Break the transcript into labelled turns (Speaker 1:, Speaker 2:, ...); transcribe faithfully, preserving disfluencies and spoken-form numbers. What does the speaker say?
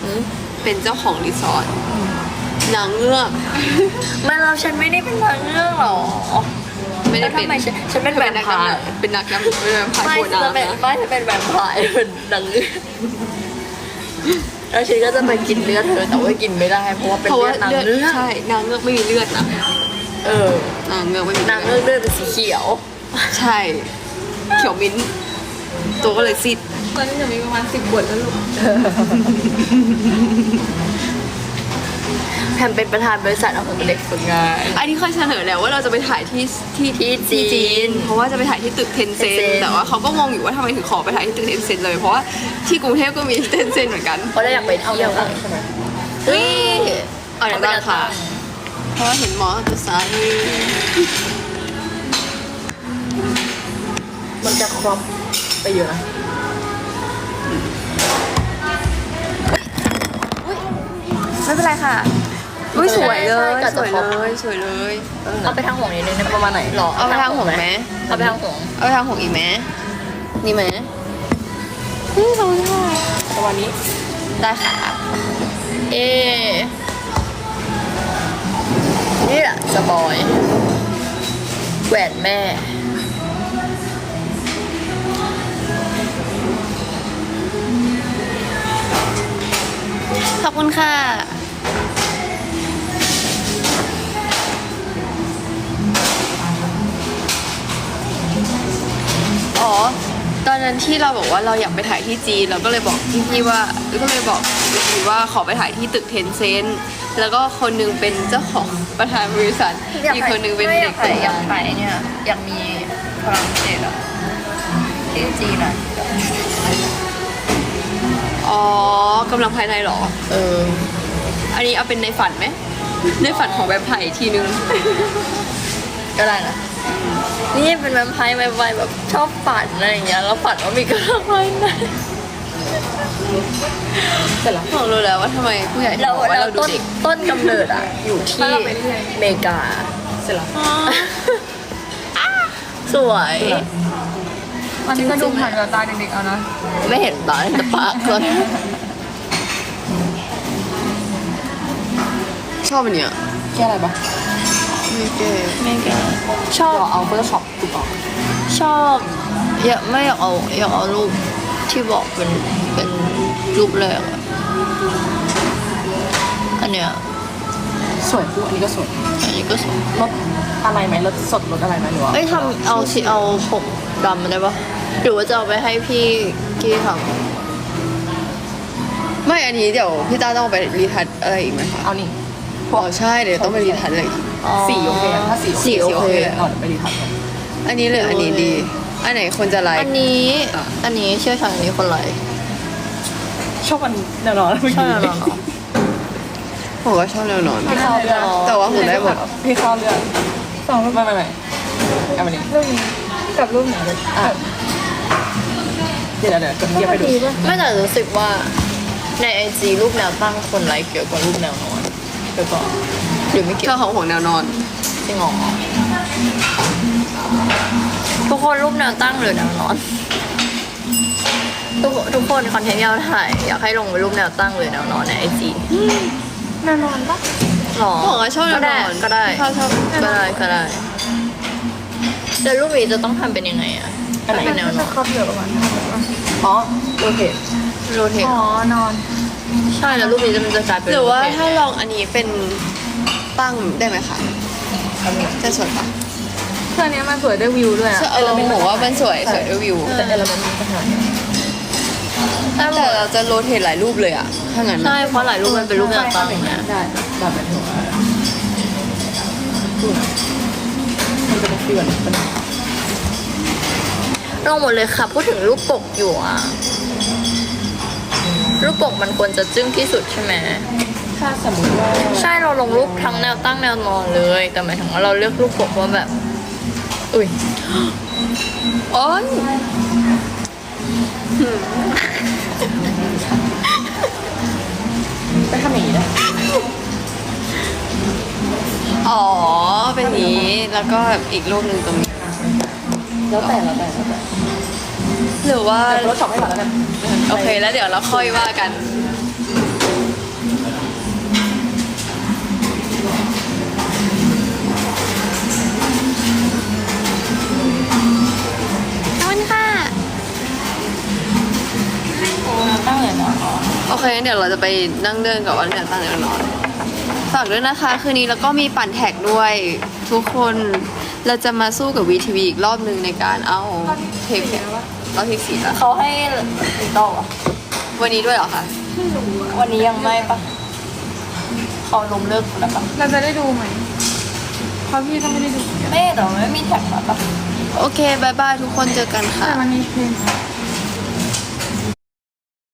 Speaker 1: เป็นเจ้าของรีสอร์ทนางเงือก
Speaker 2: ไม่เราฉันไม่ได้เป็นนางเงือกหรอ
Speaker 1: ไม่ได้เป็น
Speaker 2: ทำไมฉันฉันเป็นแวมไพร์
Speaker 1: เป็นนักยำเป็นแวมไพร์
Speaker 2: ไม่
Speaker 1: โค
Speaker 2: ฉั
Speaker 1: นาน
Speaker 2: เป็น
Speaker 1: นะ
Speaker 2: ไม่ฉันเป็นแวมไพร์เป็นนางเงือกแล้วฉันก็จะไปกินเลือดเธอแต่ว่ากินไม่ได้เพราะว่าเป็น
Speaker 1: เพราะ
Speaker 2: เลื
Speaker 1: ว่า
Speaker 2: อดนาง
Speaker 1: เลือด
Speaker 2: เงือก
Speaker 1: ใช่นางเงือกไม่มีเลือดนะ
Speaker 2: เออน
Speaker 1: างเงือกไม่มี
Speaker 2: นางเงือกเลือดเป็นสีเขียว
Speaker 1: ใช่เขียวมิ้นท์ตัวก็เลยซีด
Speaker 3: ตอนนี้จะมีประมาณสิบขวดแล้วลูก
Speaker 2: แพมเป็นประธานบริษัทเอาผมเป็นเด็กฝึกงาน
Speaker 1: อันนี้เคยเสนอแล้วว่าเราจะไปถ่ายที่ที่
Speaker 2: ที่จีน
Speaker 1: เพราะว่าจะไปถ่ายที่ตึกเทนเซน
Speaker 2: Tencent
Speaker 1: แต่ว่าเขาก็งงอยู่ว่าทำไมถึงขอไปถ่ายที่ตึกเทนเซนเลยเพราะว่าที่กรุงเทพก็มีเทนเซนเหมือนกัน
Speaker 2: เพราะเราอยากไปเที่ยวใช่ไหมเฮ้ย
Speaker 1: เอาอย่างบ้างค่ะ เพราะว่าเห็นหมอจะสาย
Speaker 2: มันจะครอบไปเยอะนะ
Speaker 1: ไม่เป็นไรค่ะอุ้ยสวยเลย
Speaker 2: ใช่
Speaker 1: สวย
Speaker 2: ใช่
Speaker 1: เลยสวยเลย
Speaker 2: เอาไปทางห่วงนิดนึงได้ประมาณไหนหรอ
Speaker 1: เอาไปทางห่วงไหม
Speaker 2: เอาไปทางห่วง
Speaker 1: เอาไปทางห่วงอีกไหมนี่ไหมนี่สองค่ะ
Speaker 2: ประมาณนี้
Speaker 1: ได้ค่ะ
Speaker 2: เอนี่แหละสปอยแหวนแม่
Speaker 1: ขอบคุณค่ะอ๋อตอนนั้นที่เราบอกว่าเราอยากไปถ่ายที่จีนเราก็เลยบอกพี่ๆว่าก็เลยบอกพี่ๆว่าขอไปถ่ายที่ตึกเทนเซนแล้วก็คนหนึงเป็นเจ้าของประธานบริษัทอีกคนหนึงเป็น
Speaker 2: ไม่อ
Speaker 1: เด็
Speaker 2: ยาก กไป
Speaker 1: ฝึก
Speaker 2: อยาก
Speaker 1: งาน
Speaker 2: ไปเนี่ยอยากมีพลังเศษอะที่จีนอะ
Speaker 1: อ๋อกำลังภายในเหรอ
Speaker 2: เออ
Speaker 1: อันนี้เอาเป็นในฝันไหมในฝันของแบบไผ่ทีนึง
Speaker 2: ก็ได้นะนี่เป็นแวมไพร์ไวๆแบบชอบฝันอะไรอย่างเงี้ยแล้วฝันว่ามีกระรอกภายใน
Speaker 1: เสร็จแล้วผมรู้แล้วว่าทำไมผู้ใหญ่ถึง
Speaker 2: เรา
Speaker 1: บอกว่า
Speaker 2: เรา
Speaker 1: เราดู
Speaker 2: ต้น
Speaker 1: เด็ก
Speaker 2: ต้นกำเนิดอะอยู่ที่อเมริกา
Speaker 1: เสร็จแล้ว
Speaker 2: สวย
Speaker 3: มันก็ดูผ่านกับตาเด็กๆเอานะ
Speaker 2: ไม่เห็นตาเห็นแต่ปากก่อน
Speaker 1: ชอบอันเนี้ย
Speaker 3: แค่อะไรปะ
Speaker 1: ไม่เก๋
Speaker 2: ไม่เก่งชอบ
Speaker 3: เราเอาเฟอร์ช็อปถูกต้อง
Speaker 2: ชอบอยากไม่อยากเอาอยากเอารูปที่บอกเป็นเป็นรูปแรกอะอันเนี้ย
Speaker 3: สวยคู่อันนี้ก็สวย
Speaker 2: อันนี้ก็สวย
Speaker 3: รถอะไรไหมรถสดรถอะไรไหมหรือว่า
Speaker 2: เอ้ยทำเอาสิเอาผมดำมาได้ปะหรือว่าจะเอาไปให้พี่กี้ท
Speaker 1: ไม่อันนี้เดี๋ยวพี่ต้าต้องไปรีทัชอะไรอีกไหมคะ
Speaker 3: เอานี่
Speaker 1: อ๋อใช่เดี๋ยวต้องไปรีทัชอะไรอีก
Speaker 2: ำอ๋อ
Speaker 3: สีโอเคถ้าสี
Speaker 2: สีโอเค
Speaker 3: เอาเดี๋ยวไปดีทักกัน
Speaker 1: อันนี้เลยอันนี้ดี อันไหนคนจะไล
Speaker 2: อั
Speaker 1: ค์
Speaker 2: นนี้อันนี้เชี่ยวชาญอันนี้คนไร
Speaker 3: ชอบอันแนวนอน
Speaker 2: ใช่แล้วเหรอ
Speaker 1: ผมก็ชอบแนวนอน
Speaker 3: พี่เข้าเรื่อง
Speaker 1: แต่ว่าผมได้หมด
Speaker 3: พี่เข้าเรื่องสองรูปไม่ไม่ไม่เอามานี่รูปนี้กับรูปไหนเลยอ่ะเดี๋ยวเดี๋ยวจะเทียบให้ดู
Speaker 2: ไม่แต่รู้สึกว่าในไอจีรูปแนวตั้งคนไลค์เยอะกว่ารูปแนวนอนเดี๋ยวก่อนหรือไม่เกี่
Speaker 1: ช
Speaker 2: ย
Speaker 1: อ
Speaker 2: ว
Speaker 1: บของห่วงแนวนอน
Speaker 2: จริงเหรอทุกคนรูปแนวตั้งหรือแนวนอน ทุกทุกคนคอนเทนต์ที่เราถ่ายอยากให้ลงเป็นรูปแนวตั้งหรือแนวนอนในไอจี
Speaker 3: แนวนอนปะ
Speaker 2: หรอ
Speaker 1: ผมก็ชอบแน
Speaker 2: ก็
Speaker 1: วน
Speaker 2: ได้
Speaker 1: อน
Speaker 2: ก็ได้
Speaker 1: ชอบชอบ
Speaker 2: ก็ได้ก็ได้แต่รูปนี้จะต้องทำเป็นยังไงอะ
Speaker 3: อันไหน
Speaker 2: เป็นแนวนอน
Speaker 3: ครอบเยอะประมาณอ๋อโอเค
Speaker 2: โรเทต
Speaker 3: อ๋อนอน
Speaker 2: ใช่แล้วรูปนี้จะมันจะกลายเป็น
Speaker 1: หรือว่า
Speaker 2: โเทต
Speaker 1: ถ้าลองอันนี้เป็นตั้งได้ไหมคะจะสวยปะ
Speaker 3: เครื่องนี้มันสวยด้วยวิวด้วยอะ
Speaker 1: เออผมว่ามันสวยสวยด้วยวิว
Speaker 3: แต่เอลเมนต์มันจะหาย
Speaker 2: ได้หม
Speaker 1: แต่
Speaker 2: ด
Speaker 1: เราจะโรเทตหลายรูปเลยอะถ้างั้น
Speaker 2: ใช่เพราะหลายรูปมันเป็นรูปแนวตั้งนะ
Speaker 3: ได้แบบแบบนี้มันจะเป็นเกลื่อนเป็น
Speaker 2: ลงหมดเลยค่ะพูดถึงรูปปกอยู่อะรูปปกมันควรจะจึ้งที่สุดใช่ไหม
Speaker 3: ถ้าสมมติว่า
Speaker 2: ใช่เราลงรูปทั้งแนวตั้งแนวนอนเลย แต่หมายถึงว่าเราเลือกรูปปกว่าแบบ อุ้ย
Speaker 1: อ๋อน
Speaker 3: ไปทำอย่างนี้ได้
Speaker 1: อ๋อเป็นอย่างนี้แล้วก็แบบอีกรูปหนึ่งตรงนี้
Speaker 3: แล้วแต่แล้วแต่แล้วแต่
Speaker 1: หรือว่า
Speaker 3: แต่รถช็อปให้ก่อนแล้วกัน
Speaker 1: โอเคแล้วเดี๋ยวเราค่อยว่ากันขอบคุณค่ะ
Speaker 2: ตั้งเลยนะ
Speaker 1: โอเคงั้นเดี๋ยวเราจะไปนั่งเดินกับวันเดือนตั้งแต่นอนฝากด้วยนะคะคืนนี้แล้วก็มีปั่นแท็กด้วยทุกคนเราจะมาสู้กับวีทีวีอีกรอบหนึ่งในการเอาเทปรอบที่สี่แล้ว
Speaker 2: เขาให้ติดต่ออ่ะ
Speaker 1: วันนี้ด้วยเหรอคะ
Speaker 2: วันนี้ยังไม่ปะเขาล้มเลิกแล้วปะ
Speaker 3: เราจะได้ดูไหมเพราะพี่ก็ไม่ได้ดู
Speaker 2: ไม่แต่ว่าไม่มีแท็กมาปะ
Speaker 1: โอเคบายบายทุกคนเจอกันค่ะ
Speaker 3: แต่มันมีเพลง